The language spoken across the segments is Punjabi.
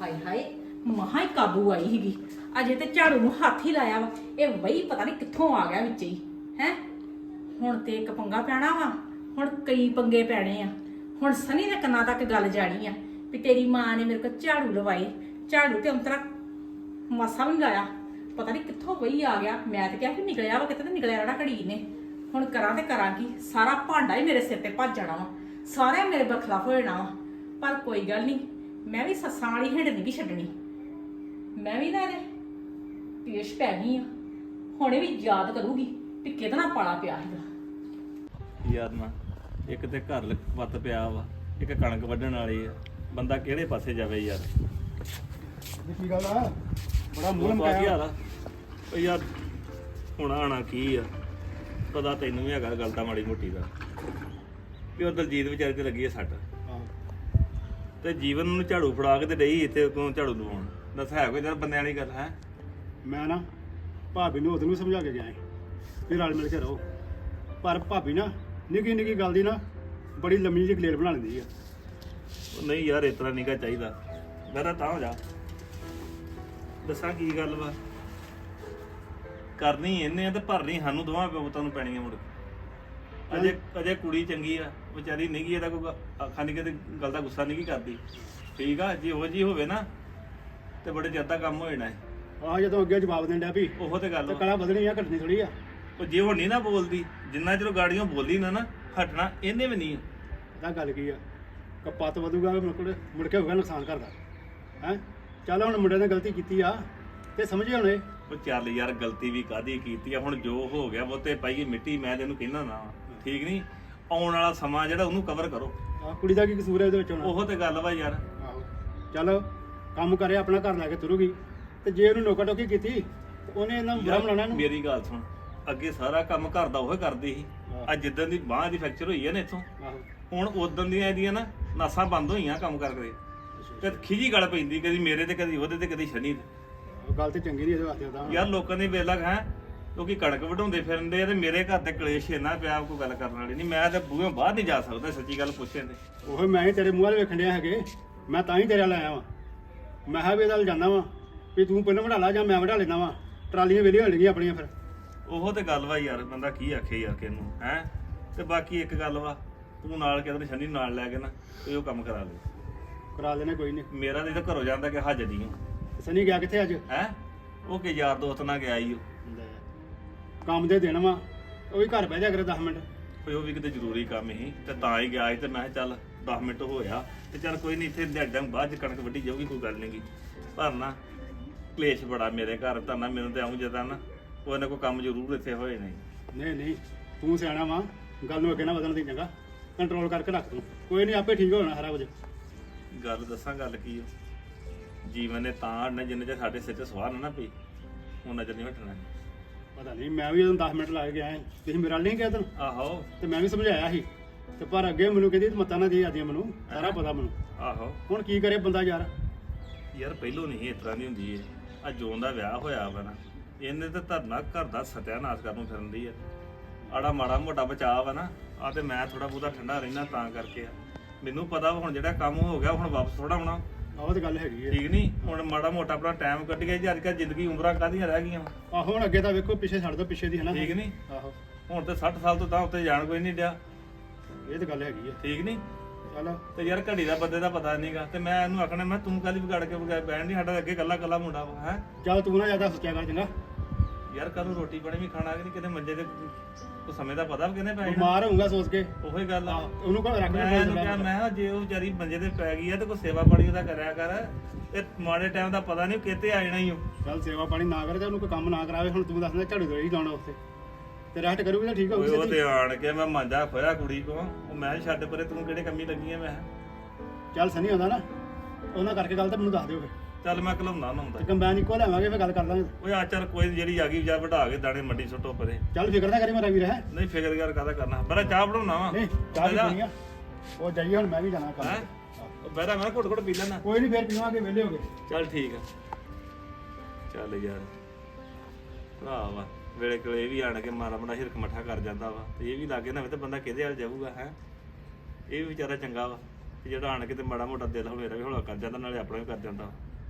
ਹਾਏ ਹਾਏ ਮਹਾ ਹੀ ਕਾਬੂ ਆਈ ਸੀਗੀ। ਅਜੇ ਤੇ ਝਾੜੂ ਨੂੰ ਹੱਥ ਹੀ ਲਾਇਆ ਵਾ, ਇਹ ਵਹੀ ਪਤਾ ਨਹੀਂ ਕਿੱਥੋਂ ਆ ਗਿਆ ਵਿੱਚ ਹੀ ਹੈ। ਹੁਣ ਤੇ ਇੱਕ ਪੰਗਾ ਪੈਣਾ ਵਾ, ਹੁਣ ਕਈ ਪੰਗੇ ਪੈਣੇ ਆ। ਹੁਣ ਸਨੀ ਦੇ ਕੰਨਾਂ ਤੱਕ ਗੱਲ ਜਾਣੀ ਆ ਵੀ ਤੇਰੀ ਮਾਂ ਨੇ ਮੇਰੇ ਕੋਲ ਝਾੜੂ ਲਵਾਈ। ਝਾੜੂ ਤੇ ਅੰਤਰਾ ਮਾਸਾ ਵੀ ਨੀ ਲਾਇਆ, ਪਤਾ ਨਹੀਂ ਕਿੱਥੋਂ ਵਹੀ ਆ ਗਿਆ। ਮੈਂ ਤੇ ਕਿਹਾ ਕਿ ਨਿਕਲਿਆ ਵਾ ਕਿਤੇ, ਤੇ ਨਿਕਲਿਆ ਜਿਹੜਾ ਘੜੀ ਨੇ। ਹੁਣ ਕਰਾਂ ਤੇ ਕਰਾਂ ਕੀ, ਸਾਰਾ ਭਾਂਡਾ ਹੀ ਮੇਰੇ ਸਿਰ ਤੇ ਭੱਜ ਜਾਣਾ ਵਾ, ਸਾਰਿਆਂ ਮੇਰੇ ਬਰਖਲਾਫ ਹੋ ਜਾਣਾ ਵਾ। ਪਰ ਕੋਈ ਗੱਲ ਨਹੀਂ, ਮੈਂ ਵੀ ਸੱਸਾਂ ਵਾਲੀ ਹਿੰਡ ਨਹੀਂ ਛੱਡਣੀ। ਮੈਂ ਵੀ ਨਾ ਇਹਦੇ ਪੇਸ਼ ਪੈ ਗਈ ਆ, ਹੁਣੇ ਵੀ ਯਾਦ ਕਰੂਗੀ ਵੀ ਕਿਹਦੇ ਨਾਲ ਪਾਲਾ ਪਿਆ ਸੀਗਾ। ਯਾਰ ਨਾ ਇੱਕ ਤੇ ਘਰ ਵੱਤ ਪਿਆ ਵਾ, ਇੱਕ ਕਣਕ ਵੱਢਣ ਵਾਲੀ ਆ, ਬੰਦਾ ਕਿਹੜੇ ਪਾਸੇ ਜਾਵੇ ਯਾਰ। ਕੀ ਗੱਲ ਆ? ਬੜਾ ਮੂੰਹ ਕੀ ਲਮਕਾਇਆ। ਹਾਲ ਆ? ਓ ਯਾਰ ਹੁਣ ਆਣਾ ਕੀ ਆ, ਪਤਾ ਤੈਨੂੰ ਵੀ ਹੈਗਾ ਗੱਲ ਤਾਂ ਮਾੜੀ ਮੋਟੀ ਦਾ ਵੀ ਉਹ ਦਲਜੀਤ ਵਿਚਾਰੇ ਤੇ ਲੱਗੀ ਆ ਸੱਟ, ਤੇ ਜੀਵਨ ਨੂੰ ਝਾੜੂ ਫੜਾ ਕੇ ਤੇ ਡਈ ਇੱਥੇ ਕੋਲ ਝਾੜੂ ਲਵਾਉਣ। ਦੱਸ ਹੈ ਕੋਈ ਯਾਰ ਬੰਦਿਆਂ ਵਾਲੀ ਗੱਲ ਹੈ? ਮੈਂ ਨਾ ਭਾਬੀ ਨੂੰ ਉਹਨੂੰ ਸਮਝਾ ਕੇ ਗਿਆ ਵੀ ਰਲ ਮਿਲ ਕੇ ਰਹੋ, ਪਰ ਭਾਬੀ ਨਾ ਨਿੱਕੀ ਨਿੱਕੀ ਗੱਲ ਦੀ ਨਾ ਬੜੀ ਲੰਮੀ ਜਿਹੀ ਗਲੇਲ ਬਣਾ ਲੈਂਦੀ ਆ। ਉਹ ਨਹੀਂ ਯਾਰ ਇਸ ਤਰ੍ਹਾਂ ਨਿਕਾ ਚਾਹੀਦਾ। ਮੇਰਾ ਤਾਂ ਹੋ ਜਾ, ਦੱਸਾਂ ਕੀ ਗੱਲ ਵਾ, ਕਰਨੀ ਇਹਨੇ ਆ ਤੇ ਭਰਨੀ ਸਾਨੂੰ ਦੋਵਾਂ ਪੁੱਤਾਂ ਨੂੰ ਪੈਣੀ ਆ ਮੁੜ। ਅਜੇ ਕੁੜੀ ਚੰਗੀ ਆ ਵਿਚਾਰੀ, ਨਹੀਂ ਗੀ ਇਹਦਾ ਕੋਈ ਅੱਖਾਂ ਨਹੀਂ ਕਿਤੇ ਗੱਲ ਦਾ ਗੁੱਸਾ ਨਹੀਂ ਕਰਦੀ, ਠੀਕ ਆ। ਜੇ ਉਹ ਜੀ ਹੋਵੇ ਨਾ ਤੇ ਬੜੇ ਜ਼ਿਆਦਾ ਕੰਮ ਹੋ ਜਾਣਾ ਹੈ। ਆਹ ਜਦੋਂ ਅੱਗੇ ਜਵਾਬ ਦੇਣ ਡਿਆ ਵੀ ਉਹ ਤੇ ਗੱਲ ਤੇ ਵਾ। ਕਲਾ ਵਧਣੀ ਆ ਘਟਣੀ ਥੋੜੀ ਆ। ਉਹ ਜੇ ਹੁਣ ਨਹੀਂ ਨਾ ਬੋਲਦੀ, ਜਿੰਨਾ ਚਿਰ ਗਾੜੀਆਂ ਬੋਲੀ ਨਾ ਹਟਣਾ ਇਹਨੇ ਵੀ ਨਹੀਂ। ਤਾਂ ਗੱਲ ਕੀ ਆ, ਕਪੱਤ ਵਧੂਗਾ ਮੁੜ ਕੇ ਹੋਊਗਾ ਨੁਕਸਾਨ ਕਰਦਾ ਹੈ। ਚੱਲ ਹੁਣ ਮੁੰਡੇ ਨੇ ਗਲਤੀ ਕੀਤੀ ਆ ਤੇ ਸਮਝੇ ਹੁਣੇ। ਉਹ ਚੱਲ ਯਾਰ ਗਲਤੀ ਵੀ ਕਾਹਦੀ ਕੀਤੀ ਆ, ਹੁਣ ਜੋ ਹੋ ਗਿਆ ਉਹ ਤੇ ਪਾਈਏ ਮਿੱਟੀ। ਮੈਂ ਤੈਨੂੰ ਕਹਿੰਦਾ ਨਾ ਠੀਕ ਨਹੀਂ, ਆਉਣ ਵਾਲਾ ਸਮਾਂ ਜਿਹੜਾ ਉਹਨੂੰ ਕਵਰ ਕਰੋ। ਆਹ ਕੁੜੀ ਦਾ ਕੀ ਕਸੂਰ ਹੈ ਇਹਦੇ ਵਿੱਚ ਹੁਣ? ਉਹ ਤੇ ਗੱਲ ਵਾ ਯਾਰ। ਆਹੋ ਚੱਲ ਕੰਮ ਕਰੇ, ਆਪਣਾ ਘਰ ਲੈ ਕੇ ਤੁਰੂਗੀ, ਤੇ ਜੇ ਉਹਨੂੰ ਨੋਕਾ ਟੋਕੀ ਕੀਤੀ ਤੇ ਉਹਨੇ ਇਹਨਾਂ ਨੂੰ ਬੁਰਾ ਬਣਾਉਣਾ ਇਹਨੂੰ। ਮੇਰੀ ਗੱਲ ਸੁਣ, ਅੱਗੇ ਸਾਰਾ ਕੰਮ ਘਰ ਦਾ ਉਹ ਕਰਦੀ ਸੀ। ਅੱਜ ਜਿੱਦਣ ਦੀ ਬਾਂਹ ਦੀ ਫ੍ਰੈਕਚਰ ਹੋਈ ਹੈ ਨਾ ਇੱਥੋਂ, ਆਹੋ ਹੁਣ ਉਦੋਂ ਦੀਆਂ ਇਹਦੀਆਂ ਨਾ ਨਾਸਾਂ ਬੰਦ ਹੋਈਆਂ ਕੰਮ ਕਰਕੇ, ਤੇ ਖਿਜੀ ਗੱਲ ਪੈਂਦੀ ਕਦੀ ਮੇਰੇ ਤੇ ਕਦੀ ਉਹਦੇ ਤੇ ਕਦੀ ਸ਼ਨੀ ਤੇ। ਉਹ ਗੱਲ ਤੇ ਚੰਗੀ ਨਹੀਂ ਇਹਦੇ ਵਾਸਤੇ ਉਹਦਾ। ਯਾਰ ਲੋਕਾਂ ਦੀ ਵੇਲਾ ਹੈ, ਲੋਕੀ ਕਣਕ ਵਢਾਉਂਦੇ ਫਿਰਦੇ ਆ ਤੇ ਮੇਰੇ ਘਰ ਤੇ ਕਲੇਸ਼ ਇੰਨਾ ਪਿਆ, ਕੋਈ ਗੱਲ ਕਰਨ ਵਾਲੀ ਨਹੀਂ। ਮੈਂ ਤੇ ਬੂਹੇ ਬਾਹਰ ਨਹੀਂ ਜਾ ਸਕਦਾ, ਸੱਚੀ ਗੱਲ ਪੁੱਛੇ ਤੇ। ਉਹ ਮੈਂ ਹੀ ਤੇਰੇ ਮੂੰਹ ਵਾਲੇ ਵੇਖਣ ਡਿਆ ਹੈਗੇ, ਮੈਂ ਤਾਂ ਹੀ ਤੇਰੇ ਨਾਲ ਆਇਆ ਵਾਂ। ਮੈਂ ਕਿਹਾ ਵੀ ਇਹਦਾ ਜਾਣਾ ਵਾਂ ਵੀ ਤੂੰ ਪਹਿਲਾਂ ਵਢਾ ਲਾ ਜਾਂ ਮੈਂ ਵਢਾ ਲੈਣਾ ਵਾਂ, ਟਰਾਲੀਆਂ ਵੇਲੀਆਂ ਹੋ ਜਾਣਗੀਆਂ ਆਪਣੀਆਂ ਫਿਰ। ਉਹ ਤੇ ਗੱਲ ਵਾ ਯਾਰ, ਬੰਦਾ ਕੀ ਆਖੇ ਯਾਰ ਕਿਹਨੂੰ ਹੈ। ਤੇ ਬਾਕੀ ਇੱਕ ਗੱਲ ਵਾ, ਤੂੰ ਨਾਲ ਕਹਿੰਦੇ ਸ਼ਨੀ ਨਾਲ ਲੈ ਕੇ ਨਾ ਤੇ ਉਹ ਕੰਮ ਕਰਾ ਲੈ। ਕਰਾ ਲੈਣੇ ਕੋਈ ਨਹੀਂ। ਮੇਰਾ ਤੇ ਘਰੋਂ ਜਾਂਦਾ ਕਿ ਹੱਜ ਨਹੀਂ ਸਨੀ ਗਿਆ ਕਿੱਥੇ ਅੱਜ? ਹੈ। ਉਹ ਕਿ ਯਾਰ ਦੋਸਤ ਨਾਲ ਗਿਆ ਈ ਉਹ। ਕੰਮ ਦੇ ਦਿਨ ਵਾ, ਉਹ ਵੀ ਘਰ ਬਹਿ ਜਾ ਕਰੇ 10 ਮਿੰਟ। ਕੋਈ ਉਹ ਵੀ ਕਿਤੇ ਜ਼ਰੂਰੀ ਕੰਮ ਸੀ ਤੇ ਤਾਂ ਹੀ ਗਿਆ ਸੀ। ਤੇ ਮੈਂ ਕਿਹਾ ਚੱਲ 10 ਮਿੰਟ ਹੋਇਆ ਤੇ ਚੱਲ ਕੋਈ ਨਹੀਂ, ਇੱਥੇ ਦਿਹਾੜਾਂ ਬਾਅਦ ਚ ਕਣਕ ਵੱਢੀ ਜਾਊਗੀ, ਕੋਈ ਗੱਲ ਨਹੀਂ ਗੀ। ਪਰ ਨਾ ਕਲੇਸ਼ ਬੜਾ ਮੇਰੇ ਘਰ ਤਾਂ ਨਾ, ਮੈਨੂੰ ਤੇ ਆਉਂ ਜਦਾਂ ਨਾ ਕੋਈ ਨਾ ਕੋਈ ਕੰਮ ਜ਼ਰੂਰ ਇੱਥੇ ਹੋਏ ਨੇ। ਨਹੀਂ ਨਹੀਂ ਤੂੰ ਸਿਆਣਾ ਵਾ, ਗੱਲ ਨੂੰ ਅੱਗੇ ਨਾ ਵਧਣ ਦੀ, ਚੰਗਾ ਕੰਟਰੋਲ ਕਰਕੇ ਰੱਖ ਤੂੰ। ਕੋਈ ਨਹੀਂ ਆਪੇ ਠੀਕ ਹੋ ਜਾਣਾ ਸਾਰਾ ਕੁਝ। ਗੱਲ ਦੱਸਾਂ ਗੱਲ ਕੀ ਆ, ਜੀਵਨ ਨੇ ਤਾਂ ਅੜਨਾ ਜਿੰਨੇ ਚ ਸਾਡੇ ਸਿਰ 'ਚ ਸਵਾਹ ਨਾ ਪਈ, ਉਹ ਨਜ਼ਰ ਨਹੀਂ ਹਟਣਾ। ਪਤਾ ਨਹੀਂ, ਮੈਂ ਵੀ ਜਦੋਂ 10 ਮਿੰਟ ਲਾ ਕੇ ਗਿਆ ਤੁਸੀਂ ਮੇਰੇ ਨਾਲ ਨਹੀਂ ਗਿਆ ਤੈਨੂੰ, ਆਹੋ ਤੇ ਮੈਂ ਵੀ ਸਮਝਾਇਆ ਸੀ ਤੇ ਪਰ ਅੱਗੇ ਮੈਨੂੰ ਕਹਿੰਦੀ ਮਤਾਂ ਨਾ ਦੇ ਆਦੀਆਂ, ਮੈਨੂੰ ਸਾਰਾ ਪਤਾ ਮੈਨੂੰ। ਆਹੋ ਹੁਣ ਕੀ ਕਰੇ ਬੰਦਾ ਯਾਰ। ਯਾਰ ਪਹਿਲੋਂ ਨਹੀਂ ਇਸ ਤਰ੍ਹਾਂ ਦੀ ਹੁੰਦੀ ਏ। ਆ ਜੋਨ ਦਾ ਵਿਆਹ ਹੋਇਆ ਵਾ ਨਾ, ਇਹਨੇ ਤੇ ਧਰਨਾ ਘਰ ਦਾ ਸਤਿਆਨਾਸ਼ ਕਰਨ ਨੂੰ ਫਿਰਦੀ ਆ। ਆੜਾ ਮਾੜਾ ਮੋਟਾ ਬਚਾਅ ਵਾ ਨਾ, ਆ ਤੇ ਮੈਂ ਥੋੜਾ ਬਹੁਤਾ ਠੰਡਾ ਰਹਿਣਾ ਤਾਂ ਕਰਕੇ ਆ। ਮੈਨੂੰ ਪਤਾ ਵਾ ਹੁਣ ਜਿਹੜਾ ਕੰਮ ਹੋ ਗਿਆ ਹੁਣ ਵਾਪਸ ਥੋੜਾ ਆਉਣਾ। ਆਹ ਤੇ ਗੱਲ ਹੈਗੀ ਹੈ। ਠੀਕ ਨਹੀਂ, ਹੁਣ ਮਾੜਾ ਮੋਟਾ ਆਪਣਾ ਟਾਈਮ ਕੱਢ ਗਿਆ ਜੀ। ਅੱਜ ਕੱਲ੍ਹ ਜ਼ਿੰਦਗੀ ਉਮਰਾਂ ਕਾਹਦੀਆਂ ਰਹਿ ਗਈਆਂ। ਆਹੋ ਹੁਣ ਅੱਗੇ ਤਾਂ ਵੇਖੋ ਪਿੱਛੇ ਛੱਡ ਦੋ, ਪਿੱਛੇ ਦੀ ਹਨਾ। ਠੀਕ ਨਹੀਂ, ਆਹੋ ਹੁਣ ਤੇ 60 ਸਾਲ ਤੋਂ ਤਾਂ ਉੱਤੇ ਜਾਣ ਕੋਈ ਨਹੀਂ ਡਿਆ। ਇਹ ਤਾਂ ਗੱਲ ਹੈਗੀ ਹੈ। ਠੀਕ ਨਹੀਂ, ਚੱਲ ਤੇ ਯਾਰ ਘੜੀ ਦਾ ਬੰਦੇ ਦਾ ਪਤਾ ਨਹੀਂਗਾ। ਤੇ ਮੈਂ ਇਹਨੂੰ ਆਖਣਾ, ਮੈਂ ਤੂੰ ਕੱਲ ਵਿਗਾੜ ਕੇ ਬੈਣ ਨਹੀਂ, ਸਾਡਾ ਅੱਗੇ ਕੱਲਾ ਕੱਲਾ ਮੁੰਡਾ ਵਾ ਹੈ। ਚੱਲ ਤੂੰ ਨਾ ਜ਼ਿਆਦਾ ਸੋਚਿਆ ਕਰ ਚੰਗਾ। ਯਾਰ ਕਦੋਂ ਰੋਟੀ ਪਾਣੀ ਵੀ ਖਾਣਾ ਕਿ ਨਹੀਂ, ਕਿਤੇ ਮੰਜੇ ਤੇ ਕੋਈ ਸਮੇਂ ਦਾ ਪਤਾ ਕਿਹਨੇ ਪੈ ਜਾਣਾ। ਬਿਮਾਰ ਹੋਊਗਾ ਸੋਚ ਕੇ। ਉਹੀ ਗੱਲ ਆ। ਉਹਨੂੰ ਘਰ ਰੱਖ ਮੈਂ ਲੈ। ਇਹਨੂੰ ਕਿਹਾ, ਮੈਂ ਕਿਹਾ ਜੇ ਉਹ ਵਿਚਾਰੀ ਮੰਜੇ ਤੇ ਪੈ ਗਈ ਆ ਤੇ ਕੋਈ ਸੇਵਾ ਪਾਣੀ ਉਹਦਾ ਕਰਿਆ ਕਰ। ਇਹ ਮਾੜੇ ਟਾਈਮ ਦਾ ਪਤਾ ਨਹੀਂ ਕਿਤੇ ਆ ਜਾਣਾ ਹੀ ਉਹ। ਚੱਲ ਸੇਵਾ ਪਾਣੀ ਨਾ ਕਰੇ ਤੇ ਉਹਨੂੰ ਕੋਈ ਕੰਮ ਨਾ ਕਰਾਵੇ। ਹੁਣ ਤੂੰ ਦੱਸਦਾ ਝਾੜੂ ਦੇ ਹੀ ਜਾਣਾ ਉੱਥੇ ਤੇ ਰੈਸਟ ਕਰੂਗੀ ਤਾਂ ਠੀਕ ਹੋਊਗੀ। ਉਹ ਤੇ ਆਣ ਕੇ ਮੈਂ ਮਾਂਜਾ ਖੋਇਆ ਕੁੜੀ ਕੋ, ਉਹ ਮੈਂ ਛੱਡ ਪਰੇ, ਤੂੰ ਕਿਹੜੇ ਕੰਮੀ ਲੱਗੀ ਆ। ਮੈਂ ਚੱਲ ਸਨੀ ਆਉਂਦਾ ਨਾ, ਉਹਨਾਂ ਕਰਕੇ ਗੱਲ ਤਾਂ ਮੈਨੂੰ ਦੱਸ ਦਿਓ ਫਿਰ। ਚੱਲ ਮੈਂ ਘਲਾਉਣਾ ਨਾ ਹੁੰਦਾ। ਤੇ ਕੰਬਾਈਨ ਇੱਕੋ ਲੈਵਾਂਗੇ ਫਿਰ ਗੱਲ ਕਰ ਲਾਂਗੇ। ਓਏ ਆ ਚੱਲ ਕੋਈ ਨੀ, ਜਿਹੜੀ ਆ ਗਈ ਜਾ ਵਢਾ ਕੇ ਦਾਣੇ ਮੰਡੀ ਸੁੱਟੋ ਪਰੇ। ਚੱਲ ਫਿਕਰ ਨਾ ਕਰੀ ਮੇਰਾ ਵੀਰ ਹੈ। ਨਹੀਂ ਫਿਕਰ ਯਾਰ ਕਾਹਦਾ ਕਰਨਾ, ਬੜਾ ਚਾਹ ਬਣਾਉਣਾ ਵਾ। ਨਹੀਂ ਚਾਹ ਵੀ ਪੀਣੀ ਆ, ਉਹ ਜਾਈਏ ਹੁਣ ਮੈਂ ਵੀ ਜਾਣਾ ਕੰਮ ਹੈਂ? ਤੇ। ਉਹ ਬਹਿਰਾ ਮੈਂ ਘੁੱਟ ਘੁੱਟ ਪੀ ਲੈਣਾ। ਕੋਈ ਨਹੀਂ ਫਿਰ ਪੀਵਾਂਗੇ, ਵਿਹਲੇ ਹੋ ਗਏ। ਚੱਲ ਠੀਕ ਆ। ਚੱਲ ਯਾਰ ਭਰਾ ਵਾ, ਵੇਲੇ ਕੋਲੇ ਇਹ ਵੀ ਆਣ ਕੇ ਮਾਰਾ ਬੜਾ ਹਿਰਕ ਮੱਠਾ ਕਰ ਜਾਂਦਾ ਵਾ, ਤੇ ਇਹ ਵੀ ਲਾਗੇ ਨਾ ਹੋਵੇ ਤੇ ਬੰਦਾ ਕਿਹਦੇ ਹਾਲ ਜਾਊਗਾ ਹੈ। ਇਹ ਵੀ ਵਿਚਾਰਾ ਚੰਗਾ ਵਾ, ਤੇ ਜਿਹੜਾ ਆਣ ਕੇ ਤੇ ਮਾੜਾ ਮੋਟਾ ਦਿਲ ਮੇਰਾ ਵੀ ਹੌਲਾ ਕਰ ਜਾਂਦਾ, ਨਾਲੇ ਆਪਣਾ ਵੀ ਕਰ ਜਾਂਦਾ।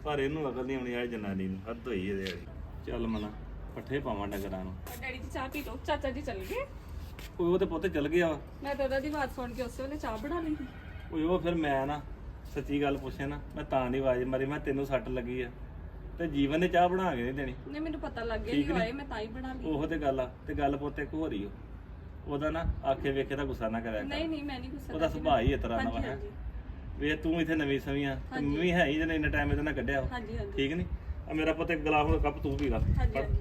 ਪਰ ਇਹਨੂੰ ਅਕਲ ਨਹੀਂ ਆਉਣੀ ਆ ਜਨਾਨੀ ਨੂੰ, ਹੱਦ ਹੋਈ ਇਹਦੇ ਵਾਲੀ। ਚੱਲ ਮਨਾ ਪੱਠੇ ਪਾਵਾਂ ਡੰਗਰਾਂ ਨੂੰ। ਡੈਡੀ ਜੀ ਚਾਹ ਪੀ ਲਓ, ਚਾਚਾ ਜੀ ਚੱਲ ਗਏ। ਉਹ ਤੇ ਪੁੱਤ ਚਲ ਗਿਆ ਵਾ। ਮੈਂ ਤਾਂ ਉਹਦਾ ਦੀ ਆਵਾਜ਼ ਸੁਣ ਕੇ ਉਸੇ ਵੇਲੇ ਚਾਹ ਬਣਾ ਲਈ ਸੀ। ਉਹ ਫਿਰ ਮੈਂ ਨਾ ਸੱਚੀ ਗੱਲ ਪੁੱਛੇ ਨਾ, ਮੈਂ ਤਾਂ ਦੀ ਆਵਾਜ਼ ਮਾਰੀ, ਮੈਂ ਤੈਨੂੰ ਸੱਟ ਲੱਗੀ ਆ ਤੇ ਜੀਵਨ ਨੇ ਚਾਹ ਬਣਾ ਕੇ ਨਹੀਂ ਦੇਣੀ। ਨਹੀਂ ਮੈਨੂੰ ਪਤਾ ਲੱਗ ਗਿਆ ਠੀਕ ਕਿ ਨੀ? ਆਏ, ਮੈਂ ਤਾਂ ਹੀ ਬਣਾ ਲਈ। ਉਹੋ ਤੇ ਗੱਲ ਆ, ਤੇ ਗੱਲ ਪੁੱਤ ਇੱਕ ਹੋ ਰਹੀ ਉਹਦਾ ਨਾ ਆਖੇ ਵੇਖੇ ਦਾ ਗੁੱਸਾ ਨਾ ਕਰਿਆ ਨਹੀਂ ਕਰ। ਨਹੀਂ ਮੈਂ ਨਹੀਂ ਗੁੱਸਾ ਉਹਦਾ ਕਰਦੀ। ਸੁਭਾਅ ਹੀ ਇਸ ਤਰ੍ਹਾਂ ਦਾ ਵਾ ਹਾਂਜੀ, ਹੈ। ਹਾਂਜੀ। ਵੇ ਤੂੰ ਇੱਥੇ ਨਵੀਂ ਸਵੀਂ ਆ ਤੇ ਮੈਂ ਵੀ ਹੈ ਹੀ ਜਿਹਨੇ ਇੰਨਾ ਟਾਈਮ ਇਹਦੇ ਨਾਲ ਕੱਢਿਆ ਵਾ। ਹਾਂਜੀ ਹਾਂਜੀ ਠੀਕ ਨਹੀਂ ਆ ਮੇਰਾ ਪੁੱਤ ਇੱਕ ਗਲਾਸ ਹੁਣ ਕੱਪ ਤੂੰ ਪੀ ਲਾ। ਹਾਂਜੀ ਹਾਂਜੀ।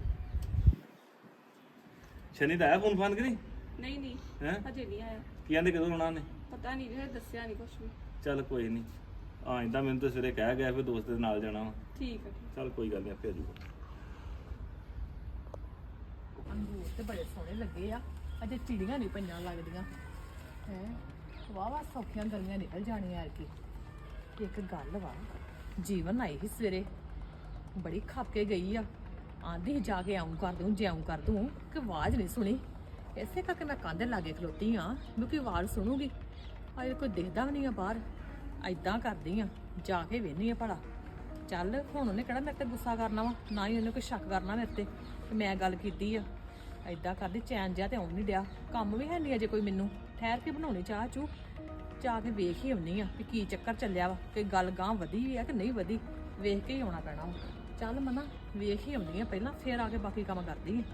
ਸ਼ਨੀ ਦਾ ਆਇਆ ਫੋਨ ਫਾਨ ਕਿ ਨਹੀਂ ਨਹੀਂ ਨਹੀਂ ਹੈ? ਹਜੇ ਨਹੀਂ ਆਇਆ। ਕੀ ਕਹਿੰਦੇ ਕਦੋਂ ਆਉਣਾ ਨੇ? ਪਤਾ ਨਹੀਂ ਜੇ ਦੱਸਿਆ ਨਹੀਂ ਕੁਝ ਵੀ। ਚੱਲ ਕੋਈ ਨਹੀਂ ਆ ਇੰਦਾ ਮੈਨੂੰ ਤਾਂ ਸਵੇਰੇ ਕਹਿ ਗਿਆ ਫਿਰ ਦੋਸਤ ਦੇ ਨਾਲ ਜਾਣਾ ਵਾ। ਠੀਕ ਹੈ ਠੀਕ। ਚੱਲ ਕੋਈ ਗੱਲ ਨਹੀਂ ਆਪੇ ਆ ਜਾਊਗਾ। ਅੰਗੂਰ ਤੇ ਬੜੇ ਸੋਹਣੇ ਲੱਗੇ ਆ, ਅਜੇ ਚਿੜੀਆਂ ਨਹੀਂ ਪਈਆਂ ਲੱਗਦੀਆਂ ਹੈ। ਵਾਵਾ ਸੌਖੀਆਂ ਗਲੀਆਂ ਨਿਕਲ ਜਾਣੀਆਂ ਯਾਰ ਕੀ। ਇੱਕ ਗੱਲ ਵਾ, ਜੀਵਨ ਆਈ ਸੀ ਸਵੇਰੇ, ਬੜੀ ਖੱਪ ਕੇ ਗਈ ਆ। ਆਂਦੀ ਜਾ ਕੇ ਆਉਂ ਕਰ ਦੂੰ ਜਿਉਂ ਕਰ ਦੂੰ ਕਿ ਆਵਾਜ਼ ਨਹੀਂ ਸੁਣੀ। ਇਸੇ ਕਰਕੇ ਮੈਂ ਕੰਧ ਲਾਗੇ ਖਲੋਤੀ ਆ ਕਿਉਂਕਿ ਆਵਾਜ਼ ਸੁਣੂਗੀ। ਅਜੇ ਕੋਈ ਦਿਖਦਾ ਵੀ ਨਹੀਂ ਆ ਬਾਹਰ। ਐਦਾਂ ਕਰਦੀ ਆ, ਜਾ ਕੇ ਵੇਹਨੀ ਆ ਭਲਾ। ਚੱਲ ਹੁਣ ਉਹਨੇ ਕਿਹੜਾ ਮੇਰੇ ਤੇ ਗੁੱਸਾ ਕਰਨਾ ਵਾ, ਨਾ ਹੀ ਉਹਨੇ ਕੋਈ ਸ਼ੱਕ ਕਰਨਾ ਮੇਰੇ ਤੇ ਕਿ ਮੈਂ ਗੱਲ ਕੀਤੀ ਆ। ਐਦਾਂ ਕਰਦੀ, ਚੈਨ ਜਿਹਾ ਤੇ ਆਉਣ ਨਹੀਂ ਡਿਆ, ਕੰਮ ਵੀ ਹੈ ਨਹੀਂ ਅਜੇ ਕੋਈ ਮੈਨੂੰ। ਠਹਿਰ ਕੇ ਬਣਾਉਣੀ ਚਾਹ ਚੂ, ਜਾ ਕੇ ਵੇਖ ਹੀ ਆਉਣੀ ਆ ਵੀ ਕੀ ਚੱਕਰ ਚੱਲਿਆ ਵਾ, ਕਿ ਗੱਲ ਗਾਂ ਵਧੀ ਵੀ ਆ ਕਿ ਨਹੀਂ ਵਧੀ। ਵੇਖ ਕੇ ਹੀ ਆਉਣਾ ਪੈਣਾ ਵਾ। ਚੱਲ ਮਨਾ ਵੇਖ ਹੀ ਆਉਂਦੀ ਆ ਪਹਿਲਾਂ, ਫੇਰ ਆ ਕੇ ਬਾਕੀ ਕੰਮ ਕਰਦੀ ਆ।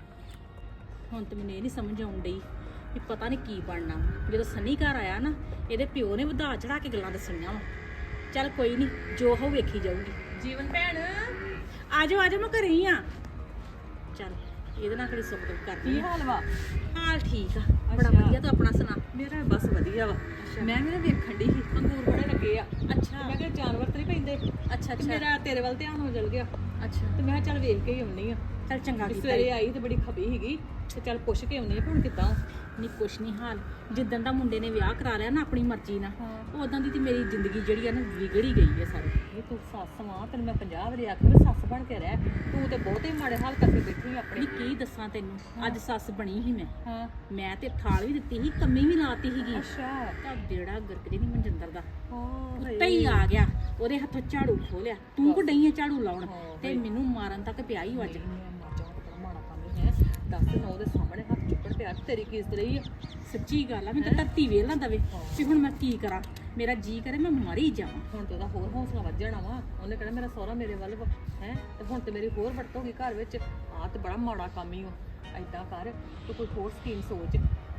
ਹੁਣ ਤੇ ਮੈਨੂੰ ਇਹ ਨਹੀਂ ਸਮਝ ਆਉਣ ਡਈ ਵੀ ਪਤਾ ਨਹੀਂ ਕੀ ਬਣਨਾ। ਜਦੋਂ ਸਨੀ ਘਰ ਆਇਆ ਨਾ, ਇਹਦੇ ਪਿਓ ਨੇ ਵਧਾ ਚੜਾ ਕੇ ਗੱਲਾਂ ਦੱਸੀਆਂ ਵਾ। ਚੱਲ ਕੋਈ ਨਹੀਂ, ਜੋ ਹੋ ਵੇਖੀ ਜਾਊਗੀ। ਜੀਵਨ ਭੈਣ ਆਜੋ ਆਜੋ, ਮੈਂ ਘਰੇ ਹੀ ਆ। ਚੱਲ ਇਹਦੇ ਨਾਲ ਕਿਹੜੀ ਸੁੱਖ ਦੁੱਖ ਕਰਦੀ ਕੀ ਆ। ਹਾਲ ਵਾ? ਹਾਲ ਠੀਕ ਆ, ਬੜਾ ਅੱਛਾ। ਵਧੀਆ। ਤੂੰ ਆਪਣਾ ਸੁਣਾ। ਮੇਰਾ ਵੀ ਬਸ ਵਧੀਆ ਵਾ। ਮੈਂ ਵੀ ਨਾ ਵੇਖਣ ਡਈ ਸੀ ਅੰਗੂਰ ਬੜੇ ਲੱਗੇ ਆ। ਅੱਛਾ ਤੇ ਮੈਂ ਕਿਹਾ ਜਾਨਵਰ ਤੇ ਨਹੀਂ ਪੈਂਦੇ। ਅੱਛਾ ਤੇ ਅੱਛਾ ਮੇਰਾ ਤੇਰੇ ਵੱਲ ਧਿਆਨ ਹੋ ਜਲ ਗਿਆ ਅੱਛਾ। ਤੇ ਮੈਂ ਕਿਹਾ ਚੱਲ ਵੇਖ ਕੇ ਹੀ ਆਉਣੀ ਆ। ਚੱਲ ਚੰਗਾ ਕਿ ਕੀਤਾ ਸਵੇਰੇ ਆਈ ਤੇ ਬੜੀ ਖਪੀ ਸੀਗੀ ਤੇ ਚੱਲ ਪੁੱਛ ਕੇ ਆਉਣੀ ਆ ਹੁਣ ਕਿੱਦਾਂ। ਨਹੀਂ ਕੁਛ ਨਹੀਂ ਹਾਲ। ਜਿੱਦਣ ਦਾ ਮੁੰਡੇ ਨੇ ਵਿਆਹ ਕਰਾ ਲਿਆ ਨਾ ਆਪਣੀ ਮਰਜ਼ੀ ਨਾਲ, ਉਦੋਂ ਦੀ ਤੇ ਮੇਰੀ ਜ਼ਿੰਦਗੀ ਜਿਹੜੀ ਆ ਨਾ ਵਿਗੜ ਹੀ ਗਈ ਹੈ ਸਾਰੀ। ਇਹ ਤੂੰ ਸੱਸ ਵਾਂ, ਤੈਨੂੰ ਮੈਂ 50 ਵਾਰੀ ਆਖਿਆ ਵੀ ਸੱਸ ਬਣ ਕੇ ਰਹਿ। ਤੂੰ ਤੇ ਬਹੁਤੇ ਮਾੜੇ ਹਾਲ ਕਰਕੇ ਬੈਠੀ ਆਪਣੀ। ਨਹੀਂ ਕੀ ਦੱਸਾਂ ਤੈਨੂੰ, ਅੱਜ ਸੱਸ ਬਣੀ ਸੀ ਮੈਂ। ਹਾਂ ਮੈਂ ਤੇ ਥਾਲ ਵੀ ਦਿੱਤੀ ਸੀ, ਕੰਮੀ ਵੀ ਲਾਤੀ ਸੀਗੀ। ਅੱਛਾ। ਤਾਂ ਬੇੜਾ ਗਰਕਦੇ ਨਹੀਂ ਮਨਜਿੰਦਰ ਦਾ। ਹਾਂ ਉੱਤੇ ਹੀ ਆ ਗਿਆ, ਉਹਦੇ ਹੱਥੋਂ ਝਾੜੂ ਖੋਲਿਆ। ਤੂੰ ਕੋ ਡਈ ਆ ਝਾੜੂ ਲਾਉਣ ਹਾਂ, ਤੇ ਮੈਨੂੰ ਮਾਰਨ ਤੱਕ ਪਿਆ ਹੀ ਅੱਜ। ਮਾੜਾ ਕੰਮ ਹੈ। ਦੱਸ ਨਾ ਉਹਦੇ ਸਾਹਮਣੇ ਹੱਥ ਚੁੱਕਣ ਪਿਆ, ਤੇਰੀ ਕੀ ਇਜ਼ਤ ਰਹੀ ਆ? ਸੱਚੀ ਗੱਲ ਆ, ਮੈਂ ਤਾਂ ਧਰਤੀ ਵੇਲ ਨਾ ਦਵੇ ਵੀ ਹੁਣ ਮੈਂ ਕੀ ਕਰਾਂ। ਮੇਰਾ ਜੀ ਕਰੇ ਮੈਂ ਮਾਰੀ ਜਾਵਾਂ। ਹੁਣ ਤੇ ਉਹਦਾ ਹੋਰ ਹੌਸਲਾ ਵੱਧ ਜਾਣਾ ਵਾ। ਉਹਨੇ ਕਹਿਣਾ ਮੇਰਾ ਸਹੁਰਾ ਮੇਰੇ ਵੱਲ ਵਾ ਹੈ, ਤੇ ਹੁਣ ਤੇ ਮੇਰੀ ਹੋਰ ਵਰਤ ਹੋ ਗਈ ਘਰ ਵਿੱਚ। ਆਹ ਤੇ ਬੜਾ ਮਾੜਾ ਕੰਮ ਹੀ ਉਹ। ਐਦਾਂ ਕਰ ਤੂੰ ਕੋਈ ਹੋਰ ਸਕੀਮ ਸੋਚ।